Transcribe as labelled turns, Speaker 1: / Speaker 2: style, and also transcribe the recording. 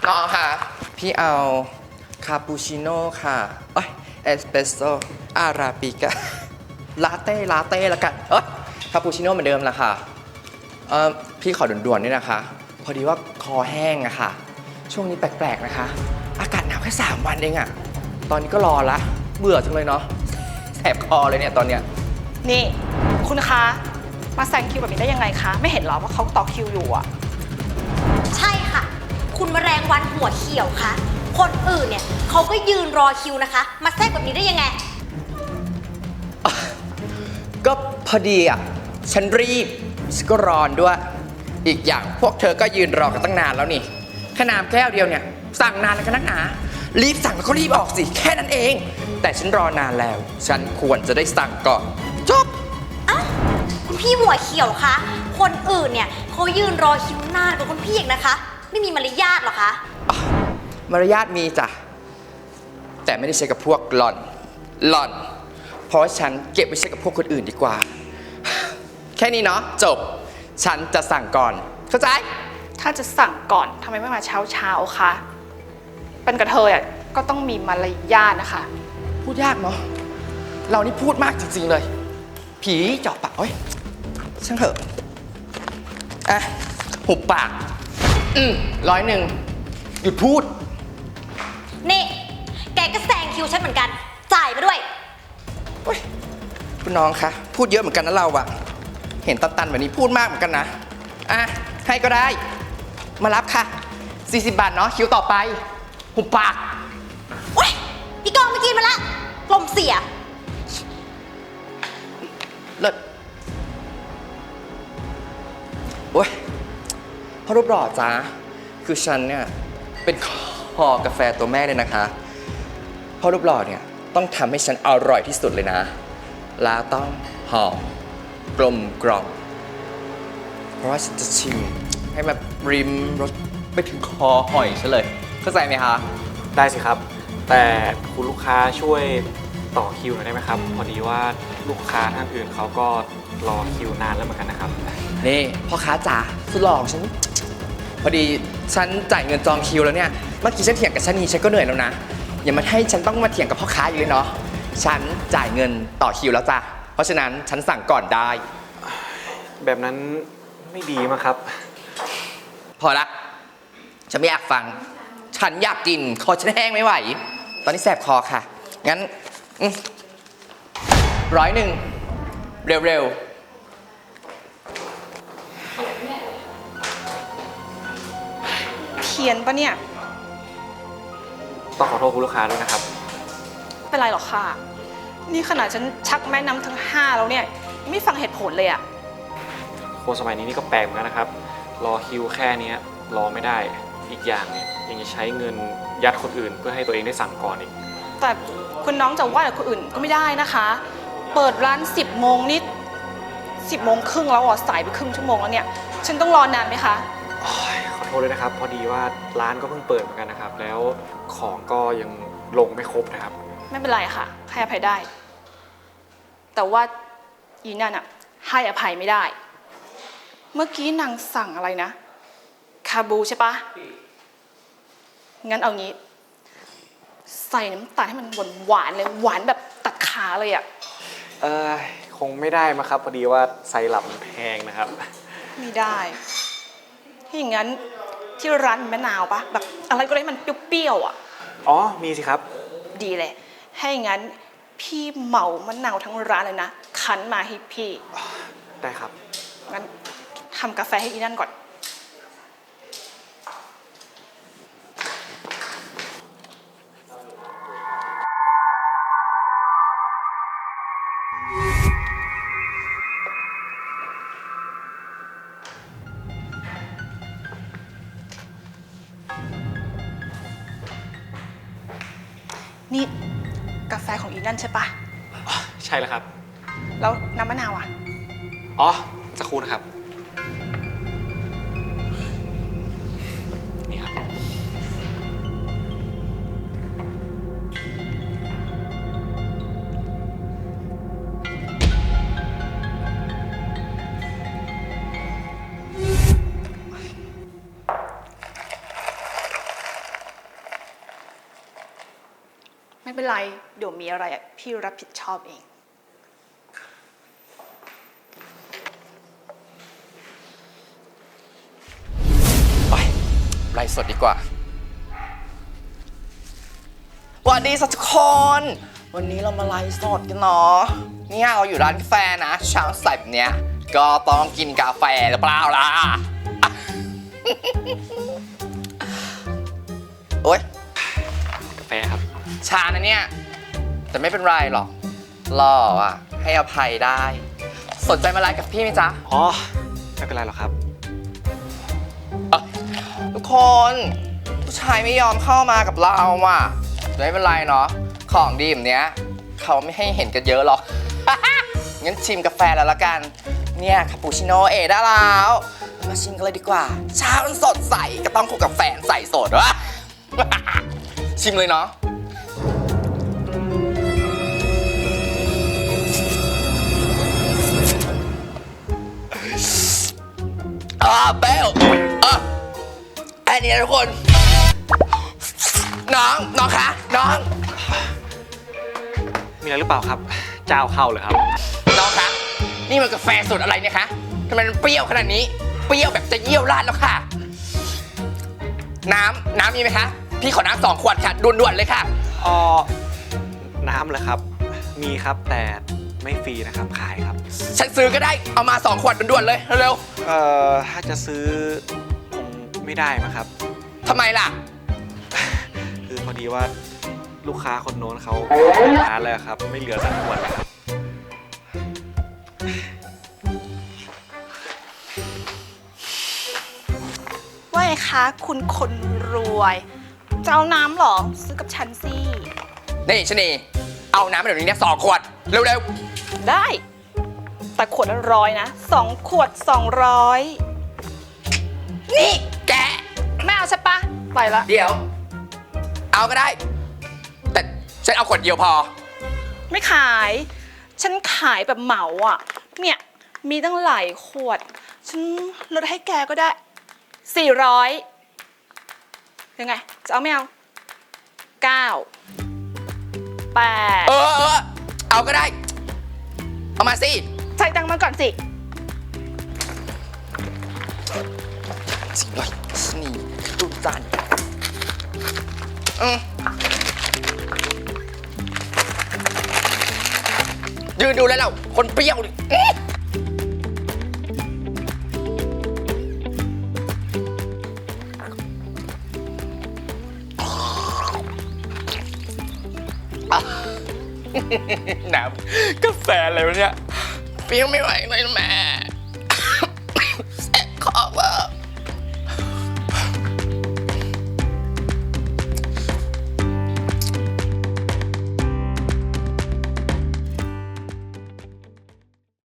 Speaker 1: น้องค่ะพี่เอาคาปูชิโน่ค่ะเอสเปรสโซ่อาราบิก้าลาเต้แล้วกันคาปูชิโน่เหมือนเดิมละค่ะพี่ขอด่วนๆนี่นะคะพอดีว่าคอแห้งอะค่ะช่วงนี้แปลกๆนะคะอากาศหนาวแค่3 วันเองอะตอนนี้ก็รอละเบื่อจังเลยเนาะแสบคอเลยเนี่ยตอนเนี้ย
Speaker 2: นี่คุณคะมาแซงคิวแบบนี้ได้ยังไงคะไม่เห็นหรอว่าเขาต่อคิวอยู่อะ
Speaker 3: ใช่ค่ะคุณแมลงวันหัวเขียวคะคนอื่นเนี่ยเขาก็ยืนรอคิวนะคะมาแทรกแบบนี้ได้ยังไง
Speaker 1: ก็พอดีอะฉันรีบฉันก็ร้อนด้วยอีกอย่างพวกเธอก็ยืนรอกันตั้งนานแล้วนี่แค่น้ำแก้วเดียวเนี่ยสั่งนานแล้วกันนักหนารีบสั่งแล้วก็รีบออกสิแค่นั้นเองแต่ฉันรอนานแล้วฉันควรจะได้สั่งก่อนจบ
Speaker 3: คุณพี่หัวเขียวคะคนอื่นเนี่ยเขายืนรอคิวนานกว่าคุณพี่อีกนะคะไม่มีมารยาทหรอคะ
Speaker 1: มารยาทมีจ้ะแต่ไม่ได้ใช้กับพวกหล่อนเพราะฉันเก็บไว้ใช้กับพวกคนอื่นดีกว่าแค่นี้เนาะจบฉันจะสั่งก่อนเข้าใจ
Speaker 2: ถ้าจะสั่งก่อนทำไมไม่มาเช้าคะเป็นกระเทยอ่ะก็ต้องมีมารยาทนะคะ
Speaker 1: พูดยากเนาะเรานี่พูดมากจริงๆเลยผีเจาะปากช่างเถอะหุบปาก100หยุดพูด
Speaker 3: นี่แกก็แซงคิวฉันเหมือนกันจ่ายมาด้วย
Speaker 1: คุณน้องคะพูดเยอะเหมือนกันนะเราอะเห็นตันๆแบบนี้พูดมากเหมือนกันนะให้ก็ได้มารับค่ะ40 บาทเนาะคิวต่อไปหุบปาก
Speaker 3: พี่กองไปกินมาละลมเสีย
Speaker 1: เลิศพ่อรูปหล่อจ้าคือฉันเนี่ยเป็นคอกาแฟตัวแม่เลยนะคะพ่อรูปหล่อเนี่ยต้องทำให้ฉันอร่อยที่สุดเลยนะแล้วต้องหอมกลมกล่อมเพราะว่าฉันจะชิมให้แบบริมรสไปถึงคอหอยฉันเลยเข้าใจไหมคะ
Speaker 4: ได้สิครับแต่คุณลูกค้าช่วยต่อคิวหน่อยได้ไหมครับพอดีว่าลูกค้าท่านอื่นเขาก็รอคิวนานแล้วเหมือนกันนะครับ
Speaker 1: นี่พ่อค้าจ๋าสุดหล่อของฉันพอดีฉันจ่ายเงินจองคิวแล้วเนี่ยเมื่อกี้ฉันเถียงกับชะนีฉันก็เหนื่อยแล้วนะอย่ามาให้ฉันต้องมาเถียงกับพ่อค้าอยู่เลยเนาะฉันจ่ายเงินต่อคิวแล้วจ้ะเพราะฉะนั้นฉันสั่งก่อนได้
Speaker 4: แบบนั้นไม่ดีมั้งครับ
Speaker 1: พอละฉันไม่อยากฟังฉันอยากกินคอฉันแห้งไม่ไหวตอนนี้แสบคอค่ะงั้น100เร็ว
Speaker 2: เพี้ยนปะเนี่ย
Speaker 4: ต้องขอโทษคุณลูกค้าด้วยนะครับ
Speaker 2: ไม่เป็นไรหรอกค่ะนี่ขนาดฉันชักแม่น้ำทั้ง5แล้วเนี่ยไม่ฟังเหตุผลเลยอะ
Speaker 4: คนสมัยนี้นี่ก็แปลกเหมือนกันนะครับรอคิวแค่นี้รอไม่ได้อีกอย่างเนี่ยยังจะใช้เงินยัดคนอื่นเพื่อให้ตัวเองได้สั่งก่อนอีก
Speaker 2: แต่คุณน้องจะว่าแต่คนอื่นก็ไม่ได้นะคะเปิดร้าน10 โมงนิด10 โมงครึ่งแล้วสายไปครึ่งชั่วโมงแล้วเนี่ยฉันต้องรอนานไหมคะ
Speaker 4: ขอโทษด้วยนะครับพอดีว่าร้านก็เพิ่งเปิดเหมือนกันนะครับแล้วของก็ยังลงไม่ครบนะครับ
Speaker 2: ไม่เป็นไรค่ะให้อภัยได้แต่ว่าอีนั่นอะให้อภัยไม่ได้เมื่อกี้นางสั่งอะไรนะคาบูใช่ปะงั้นเอางี้ใส่น้ำตาลให้มันหวานเลยหวานแบบตัดขาเลยอะ
Speaker 4: คงไม่ได้มาครับพอดีว่าไซรัปมันแพงนะครับ
Speaker 2: ไม่ได้ถ้าอย่างนั้นที่ร้านมีมะนาวปะแบบอะไรก็ได้มันเปรี้ยวๆอะ
Speaker 4: อ๋อมีสิครับ
Speaker 2: ดีเลยให้อย่างนั้นพี่เหมามะนาวทั้งร้านเลยนะคั้นมาให้พี่
Speaker 4: ได้ครับ
Speaker 2: งั้นทำกาแฟให้อีนั่นก่อนนี่กาแฟของอีนั่นใช่ปะ
Speaker 4: ใช่แล้วครับ
Speaker 2: แล้วน้ำมะนาวอ่ะ
Speaker 4: สักครู่นะครับนี่ครับ
Speaker 2: เป็นไร เดี๋ยวมีอะไรอ่ะพี่รับผิดชอบเอง
Speaker 1: ไปไลฟ์สดดีกว่าสวัสดีทุกคน วันนี้เรามาไลฟ์สดกันเนาะเนี่ยเราอยู่ร้านกาแฟนะเช้าใส่แบบเนี้ยก็ต้องกินกาแฟหรือเปล่าล่ะ โอ๊ย
Speaker 4: กาแฟครับ
Speaker 1: ชานะเนี่ย แต่ไม่เป็นไรหรอกหล่ออ่ะ ให้อภัยได้ สนใจมาไลฟ์กับพี่ไหมจ๊ะ
Speaker 4: อ๋อ ไม่เป็นไรหรอกครับ
Speaker 1: ทุกคน ผู้ชายไม่ยอมเข้ามากับเราอ่ะไม่เป็นไรเนาะของดีแบบเนี้ยเขาไม่ให้เห็นกันเยอะหรอก งั้นชิมกาแฟแล้วละกัน เนี่ยคาปูชิโน่ได้แล้ว มาชิมกันเลยดีกว่าเช้ามันสดใสก็ต้องคู่กับแฟนใส่สดวะ ชิมเลยเนาะเปรี้ยวอันนี้นะทุกคน น้องคะ น้อง
Speaker 4: มีอะไรหรือเปล่าครับ เจ้าเข้าเลยครับ
Speaker 1: น้องคะ นี่มันกาแฟสูตรอะไรเนี่ยคะทำไมมันเปรี้ยวขนาดนี้ เปรี้ยวแบบจะเยี่ยวราดแล้วค่ะ น้ำมีไหมคะ พี่ขอน้ำ2 ขวดค่ะด่วนๆเลยค่ะ
Speaker 4: อ๋อ น้ำเหรอครับ มีครับแต่ไม่ฟรีนะครับ ขายครับ
Speaker 1: ฉันซื้อก็ได้ เอามา2 ขวดด่วนๆเลยเร็ว
Speaker 4: ถ้าจะซื้อคงไม่ได้มั้งครับ
Speaker 1: ๆทำไมล่ะ
Speaker 4: คือพอดีว่าลูกค้าคนโน้นเขาร้านเลยครับ ไม่เหลือสักขวดเลยครับ
Speaker 2: ว่าไงคะคุณคนรวยจะเอาน้ำเหรอ ซื้อกับฉันสิ
Speaker 1: นี่ชะนีเอาน้ำมาเดี๋ยวนี้เนี่ย2 ขวด เร็ว
Speaker 2: ได้ แต่ขวดละ100นะ2 ขวด 200
Speaker 1: ๆ นี่แก
Speaker 2: ไม่เอาใช่ปะไปละ
Speaker 1: เดี๋ยว เอาก็ได้ แต่ฉันเอาขวดเดียวพอ
Speaker 2: ไม่ขาย ฉันขายแบบเหมาอ่ะ เนี่ย มีตั้งหลายขวด ฉันลดให้แกก็ได้ 400 ยังไง จะเอาไม่เอา 9 8
Speaker 1: เอาก็ได้ เอามาสิ
Speaker 2: ใส่ตังค์มาก่อนสิ
Speaker 1: 400นี่ดูจานยืนดูแล้วเราคนเปรี้ยวดิน้ำกาแฟอะไรวะเนี่ยเปรี้ยวไม่ไหวเลยแม่